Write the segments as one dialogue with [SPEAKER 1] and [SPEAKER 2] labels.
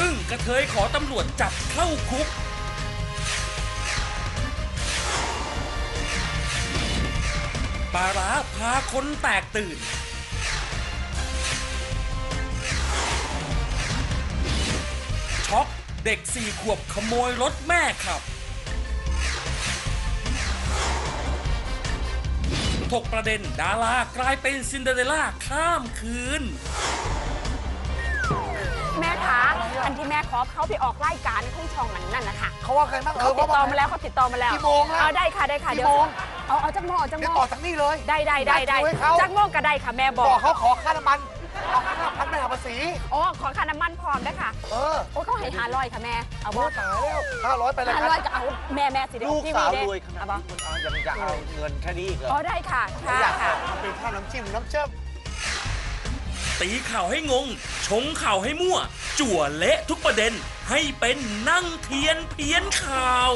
[SPEAKER 1] อึ้งกระเทยขอตำรวจจับเข้าคุกปลาร้าพาคนแตกตื่นช็อกเด็ก4 ขวบขโมยรถแม่ขับถกประเด็นดารากลายเป็นซินเดอเรลล่าข้ามคืน
[SPEAKER 2] แม่คะอันที่แม่ขอเขาไปออกรายการของช่องนั่นนะคะ
[SPEAKER 3] เขาว่าใครบ้าง
[SPEAKER 2] เขาติดต่อมาแล้ว
[SPEAKER 3] กี่โมงแล้ว
[SPEAKER 2] ได้ค่ะกี่โมงเอาจักโมง
[SPEAKER 3] ต่อจากนี้เลย
[SPEAKER 2] ได้จักโมงก็ได้ค่ะแม่บอก
[SPEAKER 3] เขาขอค่าน้ำมันเอา5,000ไม่หักภาษี
[SPEAKER 2] ขอค่าน้ำมันพร้อมด้วยค่ะเขาให้500ค่ะแม่เอาบ่
[SPEAKER 3] ตายแล้ว500ไปเลย
[SPEAKER 2] 500ก็เอาแม่สิ
[SPEAKER 4] ลูกสาวรวยขนาดนี้มันจะเอาเงินแค่นี้อีกเหรอ
[SPEAKER 2] ได้ค่ะ
[SPEAKER 3] มันเป็นข้าวน้ำจิ้มน้ำเชื่อม
[SPEAKER 1] ตีข่าวให้งงชงข่าวให้มั่วจั่วเละทุกประเด็นให้เป็นนั่งเทียนเพี้ยนข่าว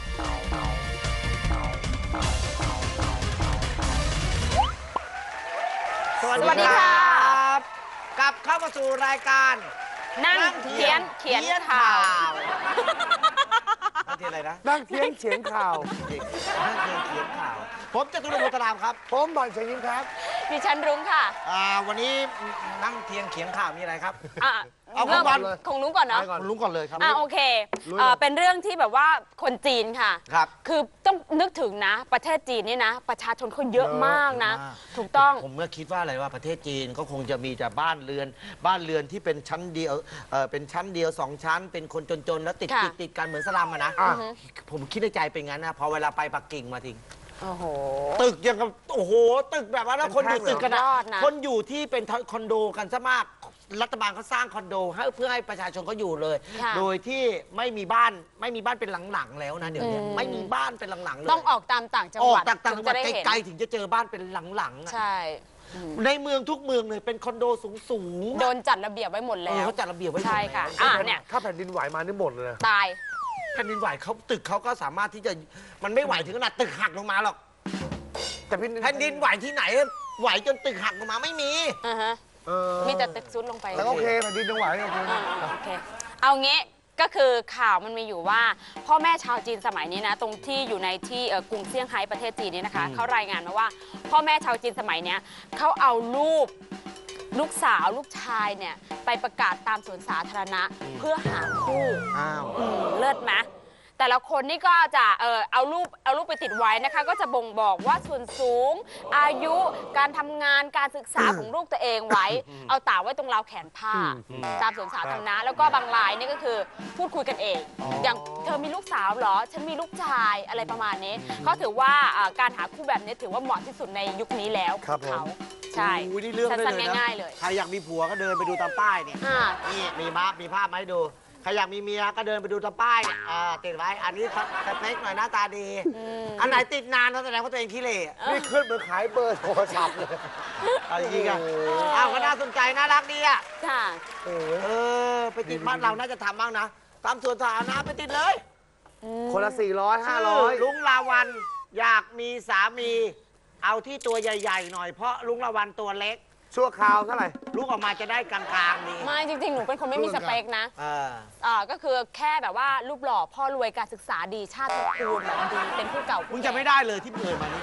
[SPEAKER 4] สวัสดีครับกลับเข้ามาสู่รายการ
[SPEAKER 2] นั่งเทียนเขียนข่าว
[SPEAKER 4] นั่งเทียนอะไรนะ
[SPEAKER 3] นั่งเทียนเขียนข่าว
[SPEAKER 4] นั่งเทียนเขียนข่าวผมจตุรงค์ โพธารามครับ
[SPEAKER 3] ผมบอลเฉยยิ้มครับ
[SPEAKER 2] ดิฉันรุ้งค่ะ
[SPEAKER 4] วันนี้นั่งเทียนเขียนข่าวมีอะไรครับ
[SPEAKER 2] เอาของก่อนของลุงก่อนเนาะ
[SPEAKER 3] ของลุงก่อนเลยครับ
[SPEAKER 2] โอเคเป็นเรื่องที่แบบว่าคนจีนค่ะ
[SPEAKER 4] ครับ
[SPEAKER 2] คือต้องนึกถึงนะประเทศจีนนี่นะประชาชนคนเยอะมากนะถูกต้อง
[SPEAKER 4] ผมเมื่อคิดว่าอะไรว่าประเทศจีนก็คงจะมีแต่บ้านเรือนที่เป็นชั้นเดียวเป็นชั้นเดียว2 ชั้นเป็นคนจนๆแล้วติดกันเหมือนสลัมอะนะผมคิดในใจเป็นงั้นนะพอเวลาไปปักกิ่งมาทิ้งตึกยังกับตึกแบบว่าแล้วคนอยู่ตึกกันนะคนอยู่ที่เป็นคอนโดกันซะมากรัฐบาลเขาสร้างคอนโดเพื่อให้ประชาชนเขาอยู่เลยโดยที่ไม่มีบ้านเป็นหลังๆแล้วนะเดี๋ยวนี้ไม่มีบ้านเป็นหลังๆเลย
[SPEAKER 2] ต้องออกตามต่างจังหวัด
[SPEAKER 4] ต่างจังหวัดไกลๆถึงจะเจอบ้านเป็นหลัง
[SPEAKER 2] ๆใช่
[SPEAKER 4] ในเมืองทุกเมืองเลยเป็นคอนโดสูง
[SPEAKER 2] โดนจัดระเบียบไว้หมดแล้ว
[SPEAKER 4] เขาจัดระเบียบไว้
[SPEAKER 2] ใช่ค่ะ
[SPEAKER 3] เนี่ยถ้าแผ่นดินไหวมานี่หมดเลย
[SPEAKER 2] ตาย
[SPEAKER 4] แผ่นดินไหวเขาตึกเขาก็สามารถที่จะมันไม่ไหวถึงขนาดตึกหักลงมาหรอก
[SPEAKER 3] แต่
[SPEAKER 4] แผ่นดินไหวที่ไหนไหวจนตึกหักลงมาไม่มี
[SPEAKER 2] มีแต่ตึกซุดลงไป
[SPEAKER 3] แล้วโอเคแผ่นดินยังไหว
[SPEAKER 2] โอเคเอางี้ก็คือข่าวมันมีอยู่ว่าพ่อแม่ชาวจีนสมัยนี้นะตรงที่อยู่ในที่กรุงเซี่ยงไฮ้ประเทศจีนนี่นะคะเขารายงานมาว่าพ่อแม่ชาวจีนสมัยนี้เขาเอาลูกสาวลูกชายเนี่ยไปประกาศตามสวนสาธารณะเพื่อหาคู่เลิศไหมแต่ละคนนี่ก็จะเอารูปไปติดไว้นะคะก็จะบ่งบอกว่าส่วนสูงอายุการทำงานการศึกษาของลูกตัวเองไว้เอาตากไว้ตรงราวแขนผ้าตามสวนสาธารณะแล้วก็บางรายนี่ก็คือพูดคุยกันเองอย่างเธอมีลูกสาวเหรอฉันมีลูกชายอะไรประมาณนี้เขาถือว่าการหาคู่แบบนี้ถือว่าเหมาะที่สุดในยุคนี้แล้วเขาใช่สั้นๆง่ายๆเลย
[SPEAKER 4] ใครอยากมีผัวก็เดินไปดูตามป้ายเนี่ยนี่มีภาพไหมดูใครอยากมีเมียก็เดินไปดูตามป้ายติดไว้อันนี้สเปคหน่อยหน้าตาดีอันไหนติดนานแสดงว่าตัวเองขี้เหร่
[SPEAKER 3] นี่ขึ้นมาขายเบอร์โทรศัพท์เลย
[SPEAKER 4] อะไรอย่างเงี้ยก็น่าสนใจน่ารักดีอ่ะ
[SPEAKER 2] ค่ะ
[SPEAKER 4] ไปติดบ้านเราน่าจะทำบ้างนะตามสวนสาธารณะไปติดเลย
[SPEAKER 3] คนละ400 500
[SPEAKER 4] ลุงลาวันอยากมีสามีเอาที่ตัวใหญ่ๆหน่อยเพราะลุงลาวันตัวเล็ก
[SPEAKER 3] ชั่วคราวเท่าไหร่
[SPEAKER 4] ลูกออกมาจะได้กลางๆดี
[SPEAKER 2] ไม่จริงๆหนูเป็นคนไม่มีสเปคนะก็คือแค่แบบว่ารูปหล่อพ่อรวยการศึกษาดีชาติตระกูลแบบดีเป็นผู้เก่า
[SPEAKER 4] มึงจะไม่ได้เลยที่เอ่ยมานี้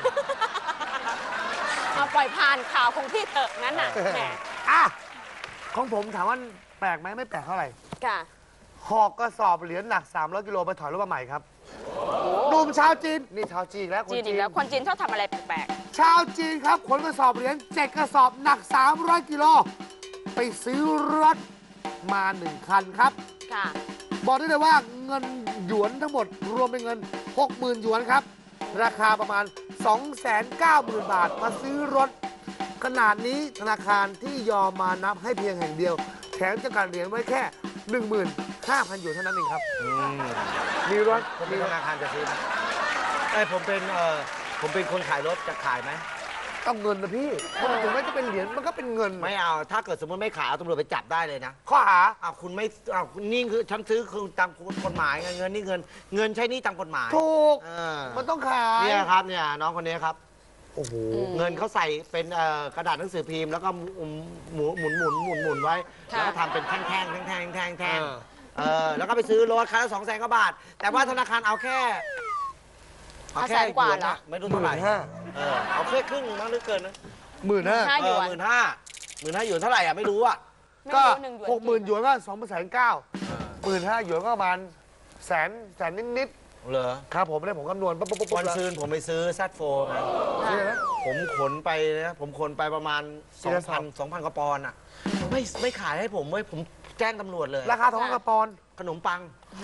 [SPEAKER 2] มาปล่อยผ่านข่าวของพี่เถอะนั้นน่ะแหม
[SPEAKER 3] ของผมถามว่าแปลกไหมไม่แปลกเท่าไหร่
[SPEAKER 2] ค่ะ
[SPEAKER 3] หอกกระสอบเหรียญหนัก300 กิโลไปถอยรถมาใหม่ครับหนุ่มชาวจีนนี่ชาวจีนแล้วคนจีน
[SPEAKER 2] แล้วคนจีนชอบทำอะไรแปลก
[SPEAKER 3] ๆชาวจีนครับขนกระสอบเหรียญ7 กระสอบหนัก300 กิโลไปซื้อรถมา1 คันครับ
[SPEAKER 2] ค่ะ
[SPEAKER 3] บอกได้เลยว่าเงินหยวนทั้งหมดรวมเป็นเงิน 60,000 หยวนครับราคาประมาณ 290,000 บาทมาซื้อรถขนาดนี้ธนาคารที่ยอมมานับให้เพียงแห่งเดียวแถมจำกัดเหรียญไว้แค่ 15,000 หยวนเท่านั้นเองครับมีรถ
[SPEAKER 4] มีธนาคารจะซื้อไหมผมเป็นคนขายรถจะขายไหม
[SPEAKER 3] ต้องเงินนะพี่ถึงแม้จะเป็นเหรียญมันก็เป็นเงิน
[SPEAKER 4] ไม่เอาถ้าเกิดสมมติไม่ขายเอาตำรวจไปจับได้เลยนะ
[SPEAKER 3] ข้อหา
[SPEAKER 4] คุณไม่นี่คือฉันซื้อคือตามกฎหมายเงินนี่เงินใช้นี่ตามกฎหมาย
[SPEAKER 3] ถูกมันต้องขาย
[SPEAKER 4] เนี่ยครับเนี่ยน้องคนนี้ครับ
[SPEAKER 3] โอ้โห
[SPEAKER 4] เงินเขาใส่เป็นกระดาษหนังสือพิมพ์แล้วก็หมุนไว้
[SPEAKER 2] ค่ะ
[SPEAKER 4] แล้วก็ทำเป็นแท่ง
[SPEAKER 3] อ่า
[SPEAKER 4] แล้วก็ไปซื้อรถคันละ200,000 กว่าบาท แต่ว่าธนาคารเอาแค่
[SPEAKER 2] แสนกว่าเหรอ
[SPEAKER 4] ไม่รู้เท่าไหร่
[SPEAKER 3] 15,000
[SPEAKER 4] เอาแค่ครึ่งมั้งหรือเกินนะ
[SPEAKER 2] ห้าหยวน
[SPEAKER 4] 15,000 หยวนเท่าไหร่อ่ะไม่รู้อ่ะ
[SPEAKER 2] ไม่
[SPEAKER 3] ก็
[SPEAKER 2] รู้1
[SPEAKER 3] 60,000 หยวนก็2,900,000 15,000 หยวนก็ประมาณแสนนิด
[SPEAKER 4] เหรอ
[SPEAKER 3] ๆครับผมเนี่ยผมคำนวณปุ๊บ
[SPEAKER 4] วันซืนผมไปซื้อแซดโฟไง
[SPEAKER 3] นี่นะ
[SPEAKER 4] ผมขนไปนะผมขนไปประมาณ
[SPEAKER 3] กี่กระสอบ
[SPEAKER 4] 2,000 กว่าปอนด์อ่ะไม่ขายให้ผมเว้ยผมแจ้งตำรวจเลย
[SPEAKER 3] ราคา2,000 กว่าปอนด์
[SPEAKER 4] ขนมปัง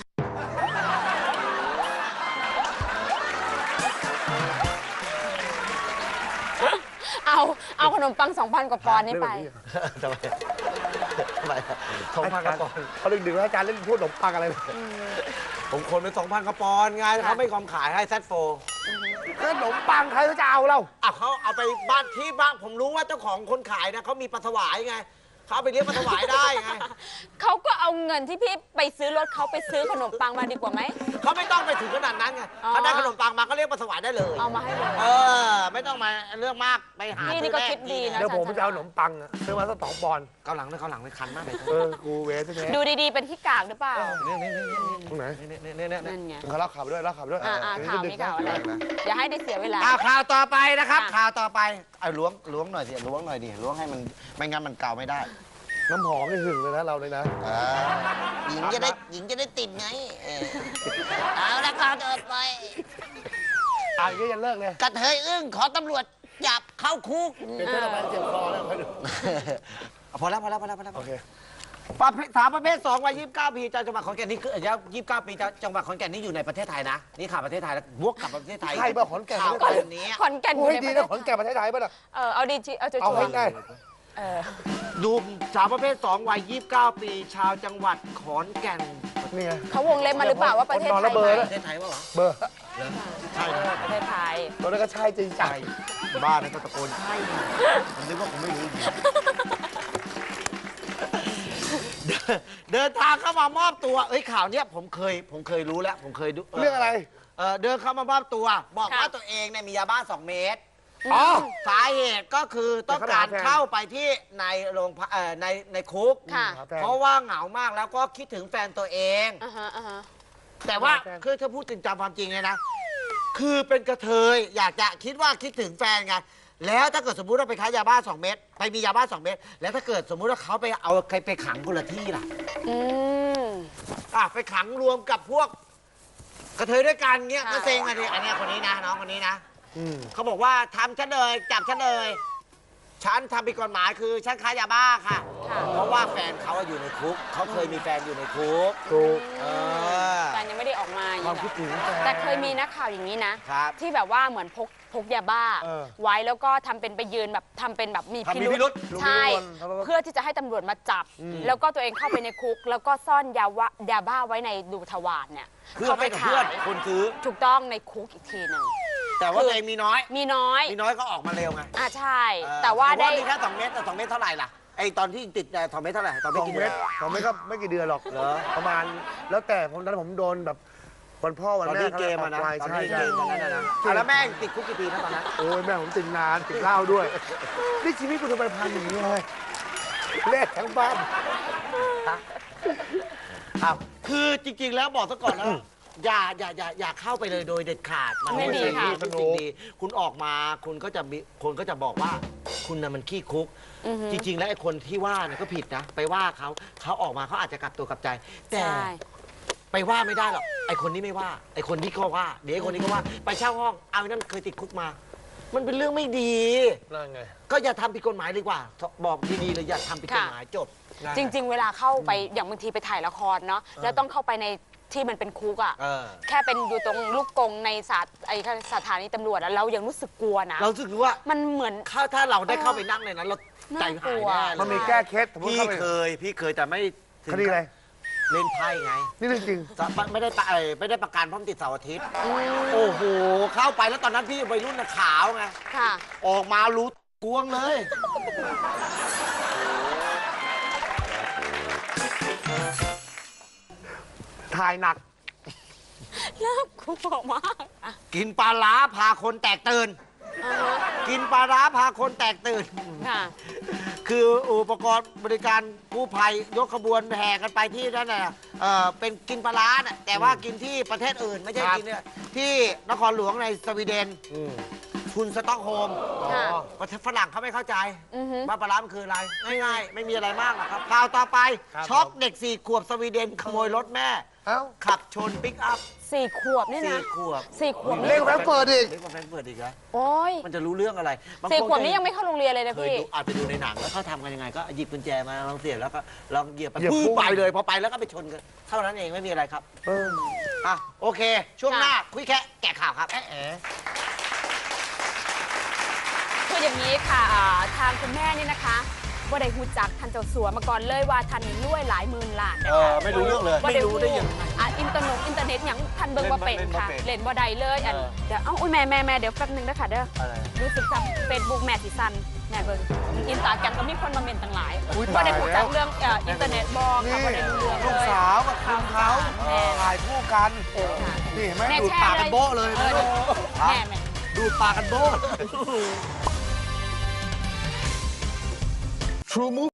[SPEAKER 2] เอาขนมปัง 2,000 กว่าปอนด์นี่ไป
[SPEAKER 4] ทำไม2,000 กว่าปอนด์
[SPEAKER 3] เขาดึกๆแล้วอาจารย์เล่นพูดขนมปังอะไรเลย
[SPEAKER 4] ผมขนไป 2,000 กว่าปอนด์ไงแล้วเขาไม่ยอมขายให้แซดโฟ
[SPEAKER 3] ขนมปังใครเขาจะเอาเรา
[SPEAKER 4] เขาเอาไปบ้านที่บ้านผมรู้ว่าเจ้าของคนขายนะเขามีปลาถวายไงเขาเอาไปเลี้ยงปลาถวายได้ไง
[SPEAKER 2] เขาก็เอาเงินที่พี่ไปซื้อรถเขาไปซื้อขนมปังมาดีกว่าไหม
[SPEAKER 4] เขาไม่ต้องไปถึงขนาดนั้นไง
[SPEAKER 2] อ๋อ
[SPEAKER 4] เขาได้ขนมปังมาก็เรียกปลาถวายได้เลย
[SPEAKER 2] เอามาให้เลย
[SPEAKER 4] ไม่ต้องมาเรื่องมากไปหา
[SPEAKER 2] นี่ก็คิดดีนะ
[SPEAKER 3] เดี๋ยวผมจะเอาขนมปังอะซื้อมาสัก2 ปอนด์
[SPEAKER 4] เกาหลังเลยคันมากเลย
[SPEAKER 3] กูเวสใช่ไหม
[SPEAKER 2] ดูดีๆเป็นขี้กากหรือเปล่า
[SPEAKER 3] ตรงไหน
[SPEAKER 2] นั่นไง
[SPEAKER 3] เขาเล่าข่าวไปด้วยเล่าข่าวไปด้วย
[SPEAKER 2] ข่าวมีข่าวอะไรอย่าให้ได้เสียเวลา
[SPEAKER 4] ข่าวต่อไปนะครับ
[SPEAKER 2] ค่ะ
[SPEAKER 4] ข่าวต่อไปเอาล้วงหน่อยสิล้วงหน่อยดิล้วงให้มันไม่งั้นมันเกาไม่ได้
[SPEAKER 3] น้ำหอมนี่หึงเลยนะเราเลยนะ
[SPEAKER 4] หญิงจะได้ติดไงเอาละข่าวต่อไป
[SPEAKER 3] อ่านก็ยังเลิกเลย
[SPEAKER 4] กระเทยอึ้งขอตำรวจจับเข้าคุก
[SPEAKER 3] เห็นเพื่อนเราไปเจ็บคอแล้วไปดู
[SPEAKER 4] พอแล้ว
[SPEAKER 3] โอเค
[SPEAKER 4] สาวประเภท2วัย29 ปีจากจังหวัดขอนแก่นนี่คืออายุ29 ปีจากจังหวัดขอนแก่นนี่อยู่ในประเทศไทยนะนี่ข่าวประเทศไทยแล้ววกกลับประเทศไทย
[SPEAKER 3] ใครบ้าขอนแก่น
[SPEAKER 4] ข่าว
[SPEAKER 3] ประเทศไทย
[SPEAKER 4] แบบนี้
[SPEAKER 2] ขอนแก่นอ
[SPEAKER 3] โอ้
[SPEAKER 2] ยู่
[SPEAKER 3] ย
[SPEAKER 2] ใน
[SPEAKER 3] ดี
[SPEAKER 2] ประเท
[SPEAKER 3] นะ
[SPEAKER 2] ศ
[SPEAKER 3] ขอนแก่นประเทศไทยป่ะล่ะ
[SPEAKER 2] เอาดีจีเอาชัว
[SPEAKER 3] เอาให้
[SPEAKER 2] ร์
[SPEAKER 3] ได้
[SPEAKER 4] ดูสาวประเภท2วัย29 ปีชาวจังหวัดขอนแก่น
[SPEAKER 3] นี่ไง
[SPEAKER 2] เขาวงเล็บมาหรือเปล่าว่าประเทศ
[SPEAKER 3] นอน
[SPEAKER 2] ไท
[SPEAKER 3] ระ
[SPEAKER 2] ย
[SPEAKER 3] เบิด
[SPEAKER 2] ไหม
[SPEAKER 4] ประเทศไทยวะเหรอ
[SPEAKER 3] เบอร์
[SPEAKER 4] ใช่นะ
[SPEAKER 2] ประเทศไทย
[SPEAKER 3] ตอนนั้นก็ใช่จริงจัง
[SPEAKER 4] บ้านนั้นก็ตะโกนใช่นะผมนึกว่าผมไม่รู้จริงเดินทางเข้ามามอบตัวข่าวเนี้ยผมเคยรู้แล้วผมเคยดู
[SPEAKER 3] เรื่องอะไร
[SPEAKER 4] เดินเข้ามามอบตัว บอก
[SPEAKER 2] ค่ะ
[SPEAKER 4] ว่าตัวเองเนี่ยมียาบ้า2 เม็ด
[SPEAKER 3] อ๋อ
[SPEAKER 4] สาเหตุก็คือต้องการเข้าไปที่ในโรงในคุก
[SPEAKER 2] ค่ะ
[SPEAKER 4] เพราะว่าเหงามากแล้วก็คิดถึงแฟนตัวเอง
[SPEAKER 2] อ่าฮะ
[SPEAKER 4] แต่ว่าคือถ้าพูดจริงตามความจริงเลยนะ คือเป็นกระเทยอยากจะคิดถึงแฟนไงแล้วถ้าเกิดสมมุติว่าไปค้ายาบ้า2 เม็ดไปมียาบ้า2 เม็ดแล้วถ้าเกิดสมมุติว่าเขาไปเอาใครไปขังคนละที่ล่ะ
[SPEAKER 2] อืม
[SPEAKER 4] ไปขังรวมกับพวกกระเทยด้วยกันเงี้ย
[SPEAKER 2] ค่ะ
[SPEAKER 4] ก็เซ็งอะดิอันเนี้ยคนนี้นะน้องคนนี้นะ
[SPEAKER 3] อืม
[SPEAKER 4] เขาบอกว่าทำฉันเลยจับฉันเลยฉันทำผิดกฎหมายคือฉันค้ายาบ้าค่ะ
[SPEAKER 2] ค่ะ
[SPEAKER 4] เพราะว่าแฟนเขาอยู่ในคุกเขาเคยมีแฟนอยู่ในคุก
[SPEAKER 3] ถูก
[SPEAKER 2] แฟนยังไม่ได้ออกมาอย่าง
[SPEAKER 3] ความ
[SPEAKER 2] นี้
[SPEAKER 3] คิด
[SPEAKER 2] เหรอ
[SPEAKER 3] ถึงแฟน
[SPEAKER 2] แต่เคยมีนักข่าวอย่างนี้นะ
[SPEAKER 4] ครับ
[SPEAKER 2] ที่แบบว่าเหมือนพกยาบ้า
[SPEAKER 3] เออ
[SPEAKER 2] ไว้แล้วก็ทำเป็นไปยืนแบบทำเป็นแบบมี
[SPEAKER 4] ทำมีพิรุธ
[SPEAKER 2] ใช่
[SPEAKER 3] มีพิรุธ
[SPEAKER 2] เพื่อที่จะให้ตำรวจมาจับ แล้วก็ตัวเองเข้าไปในคุก แล้วก็ซ่อนยาบ้าไว้ในดูทวารเนี่ย
[SPEAKER 4] เพื่อให้กับเพื่อนคนซื้อ
[SPEAKER 2] ถูกต้องในคุกอีกทีหนึ่ง
[SPEAKER 4] แต่ว่าตัวเองมีน้อย
[SPEAKER 2] มีน้อย
[SPEAKER 4] มีน้อยก็ออกมาเร็วไง
[SPEAKER 2] ใช่ แต่ว่าได้
[SPEAKER 4] มีแค่2 เม็ดแต่2 เม็ดเท่าไหร่ล่ะไอตอนที่ติด2 เม็ดเท่าไหร่ตอน
[SPEAKER 3] ส
[SPEAKER 4] ไม่
[SPEAKER 3] อง
[SPEAKER 4] กิน
[SPEAKER 3] เม็ดสองเม็ดก็ไม่กี่เดือนหรอก
[SPEAKER 4] เหรอ
[SPEAKER 3] ประมาณแล้วแต่ผมตอนนั้นผมโดนแบบวันพ่อวัน
[SPEAKER 4] ตอน
[SPEAKER 3] แม่
[SPEAKER 4] ที่เกมอะนะ
[SPEAKER 3] ปลาย
[SPEAKER 4] ตอน
[SPEAKER 3] ใช่
[SPEAKER 4] ที่
[SPEAKER 3] ใช่
[SPEAKER 4] เกมตอนนั้นนะแล้วแม่งติดคุกกี่ปีนะตอนนั้น
[SPEAKER 3] โอ้ยแม่ผมติดนานติดเหล้าด้วยนี่ชีวิตกูทำไมพันอย่างนี้เลยเละทั้งบ้าน
[SPEAKER 4] คือจริงๆแล้วบอกซะก่อนนะอย่าเข้าไปเลยโดยเด็ดขาดมัน
[SPEAKER 2] ไม่ดีค่ะ
[SPEAKER 4] เป็นสิ่งดีคุณออกมาคุณก็จะบอกว่าคุณน่ะมันขี้คุก จริงๆแล้วไอ้คนที่ว่าเนี่ยก็ผิดนะไปว่าเขาออกมาเขาอาจจะกลับตัวกลับใจ แต่
[SPEAKER 2] ใช่
[SPEAKER 4] ไปว่าไม่ได้หรอกไอ้คนนี้ไม่ว่าไอ้คนที่ก็ว่าเดี๋ยวไอ้คนนี้ก็ว่าไปเช่าห้องเอาไอ้นั่นเคยติดคุกมา มันเป็นเรื่องไม่ดี
[SPEAKER 3] นั่นไง
[SPEAKER 4] ก็อย่าทำผิดกฎหมายดีกว่า บอกดีๆเลยอย่าทำผิดกฎหมายจบ
[SPEAKER 2] จริง ๆ เวลาเข้าไปอย่างบางทีไปถ่ายละครเนาะแล้วต้องเข้าไปในที่มันเป็นคุกอ่ะ
[SPEAKER 4] เออ
[SPEAKER 2] แค่เป็นอยู่ตรงลูกกรงในสถานีตำรวจอะเรายังรู้สึกกลัวนะ
[SPEAKER 4] เราสึกว่า
[SPEAKER 2] มันเหมือน
[SPEAKER 4] ถ้าเราได้เข้าไปนั่งในนั้นเราใจหายแน่เลย
[SPEAKER 3] มันมีแก้เคล็ดสมมติ
[SPEAKER 4] พี่
[SPEAKER 3] เข้าไป
[SPEAKER 4] เคยแต่ไม่ถึง
[SPEAKER 3] คดีอะไร
[SPEAKER 4] เล่นไพ่ไง
[SPEAKER 3] นี่เรื่องจริง
[SPEAKER 4] ไม่ได้ประกันเพราะมันติดเสาร์อาทิตย์โอ้โหเข้าไปแล้วตอนนั้นพี่วัยรุ่นน่ะขาวไง
[SPEAKER 2] ค่ะ
[SPEAKER 4] ออกมารู้กวงเลย
[SPEAKER 3] ถ่ายหนัก
[SPEAKER 2] น่ากลัวมากอะ
[SPEAKER 4] กินปลาล้าพาคนแตกตื่นกินปลาร้าพาคนแตกตื่น
[SPEAKER 2] ค่ะ
[SPEAKER 4] คืออุปกรณ์บริการกู้ภัยยกขบวนแห่กันไปที่นั่นน่ะเป็นกินปลาร้าน่ะแต่ว่ากินที่ประเทศอื่นไม่ใช่
[SPEAKER 3] ครับ
[SPEAKER 4] กินเนี่ยที่นครหลวงในสวีเดนคุณสต็อกโฮล์ม
[SPEAKER 2] ค่ะ
[SPEAKER 4] ประเทศฝรั่งเขาไม่เข้าใจ
[SPEAKER 2] อือฮึ
[SPEAKER 4] ว่าปลาร้ามันคืออะไรง่ายๆไม่มีอะไรมากหรอกครับข่าวต่อไป
[SPEAKER 3] ครับ
[SPEAKER 4] ช็อกเด็ก4 ขวบสวีเดนขโมยรถแม่
[SPEAKER 3] เอ้า
[SPEAKER 4] ขับชนปิกอัพ
[SPEAKER 2] 4 ขวบนี่นะ
[SPEAKER 4] 4 ขวบ
[SPEAKER 2] 4 ขวบ
[SPEAKER 3] เล็กกว่าแฟรงก์เฟิร์ตอีก
[SPEAKER 4] เล็กกว่าแฟรงก์เฟิร์ตอีกเหรอ
[SPEAKER 2] โอ้ย
[SPEAKER 4] มันจะรู้เรื่องอะไรบาง
[SPEAKER 2] 4
[SPEAKER 4] ค
[SPEAKER 2] ขวบนี้ยังไม่เข้าโรงเรียนเลยนะ
[SPEAKER 4] เคย
[SPEAKER 2] พี่
[SPEAKER 4] ดูอาจไปดูในหนังแล้วเขาทำกันยังไงก็หยิบกุญแจมาลองเสียบแล้วก็ลองเหยียบไป
[SPEAKER 3] เหยียบ
[SPEAKER 4] พื้
[SPEAKER 3] พุ่ง
[SPEAKER 4] ไปเลยพอไปแล้วก็ไปชนกันเท่านั้นเองไม่มีอะไรครับอ่ะโอเค ช่วงหน้าคุยแค่แกะข่าวครับ
[SPEAKER 2] คืออย่างนี้ค่ะทางคุณแม่นี่นะคะว่าได้หูจักทันเจ้าสัวมาก่อนเลยว่าทันนี่รวยหลายหมื่นล้านนะคะ
[SPEAKER 3] ไม่รู้เรื่องเลย
[SPEAKER 2] ว่า
[SPEAKER 4] ไม่รู้ได้ยังไง
[SPEAKER 2] อินเทอร์เน็ตอย่างทันเบิ่งว่าเป็นค่ะ เล่นว่าใดเลยอันเดี๋ยวอุ้ยแม่เดี๋ยวแป๊บนึงนะคะเด้อ
[SPEAKER 3] อะไร
[SPEAKER 2] รู้สึกจากเฟซบุ๊กแม่สีสันแม่เบิ่งอินสตาแกรมก็มีคนมาเมนต่างหลาย
[SPEAKER 3] อุ๊ย
[SPEAKER 2] ว่าได้
[SPEAKER 3] ตาย
[SPEAKER 2] หู
[SPEAKER 3] แล้ว
[SPEAKER 2] จักเรื่องอินเทอร์เน็ตบอกค่ะว่าได้รู้เรื่อง
[SPEAKER 3] ลูก
[SPEAKER 2] เลย
[SPEAKER 3] สาวกับคุณเขา
[SPEAKER 2] แม่
[SPEAKER 3] ถ่ายคู่กัน
[SPEAKER 2] ค่ะ
[SPEAKER 3] นี่เห็นไหม
[SPEAKER 2] แม่
[SPEAKER 3] ดูด
[SPEAKER 2] แชร์
[SPEAKER 3] ปากกันโบ๊ะเลย
[SPEAKER 2] เอ
[SPEAKER 3] นะ
[SPEAKER 2] อแม่
[SPEAKER 4] ดูดปากกันโบ้
[SPEAKER 3] True Move